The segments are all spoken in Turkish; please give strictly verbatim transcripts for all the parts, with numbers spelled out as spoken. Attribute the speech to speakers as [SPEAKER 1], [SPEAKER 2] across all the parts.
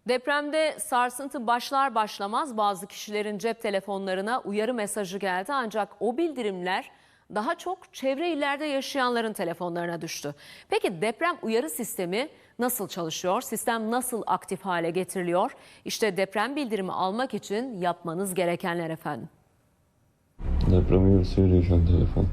[SPEAKER 1] Depremde sarsıntı başlar başlamaz bazı kişilerin cep telefonlarına uyarı mesajı geldi. Ancak o bildirimler daha çok çevre illerde yaşayanların telefonlarına düştü. Peki deprem uyarı sistemi nasıl çalışıyor? Sistem nasıl aktif hale getiriliyor? İşte deprem bildirimi almak için yapmanız gerekenler efendim.
[SPEAKER 2] Deprem uyarısı veriyor şu an telefon.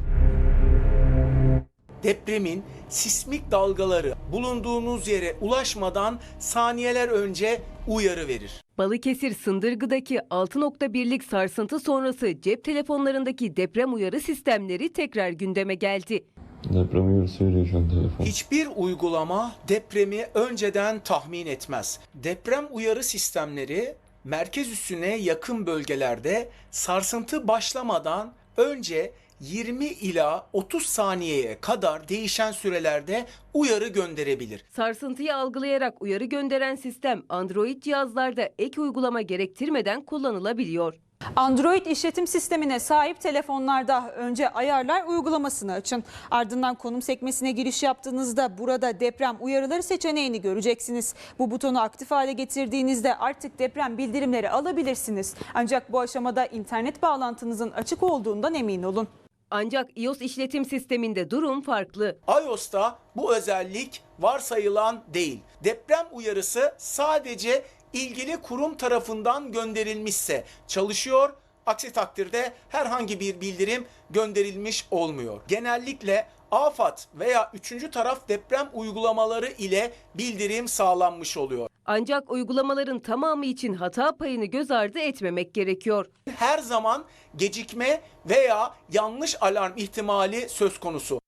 [SPEAKER 3] Depremin sismik dalgaları bulunduğunuz yere ulaşmadan saniyeler önce uyarı verir.
[SPEAKER 4] Balıkesir Sındırgı'daki altı nokta birlik sarsıntı sonrası cep telefonlarındaki deprem uyarı sistemleri tekrar gündeme geldi.
[SPEAKER 2] Deprem uyarısı veriyor şu an telefon.
[SPEAKER 3] Hiçbir uygulama depremi önceden tahmin etmez. Deprem uyarı sistemleri merkez üssüne yakın bölgelerde sarsıntı başlamadan önce yirmi ila otuz saniyeye kadar değişen sürelerde uyarı gönderebilir.
[SPEAKER 4] Sarsıntıyı algılayarak uyarı gönderen sistem Android cihazlarda ek uygulama gerektirmeden kullanılabiliyor.
[SPEAKER 5] Android işletim sistemine sahip telefonlarda önce ayarlar uygulamasını açın. Ardından konum sekmesine giriş yaptığınızda burada deprem uyarıları seçeneğini göreceksiniz. Bu butonu aktif hale getirdiğinizde artık deprem bildirimleri alabilirsiniz. Ancak bu aşamada internet bağlantınızın açık olduğundan emin olun.
[SPEAKER 4] Ancak iOS işletim sisteminde durum farklı.
[SPEAKER 3] iOS'ta bu özellik varsayılan değil. Deprem uyarısı sadece ilgili kurum tarafından gönderilmişse çalışıyor. Aksi takdirde herhangi bir bildirim gönderilmiş olmuyor. Genellikle AFAD veya üçüncü taraf deprem uygulamaları ile bildirim sağlanmış oluyor.
[SPEAKER 4] Ancak uygulamaların tamamı için hata payını göz ardı etmemek gerekiyor.
[SPEAKER 3] Her zaman gecikme veya yanlış alarm ihtimali söz konusu.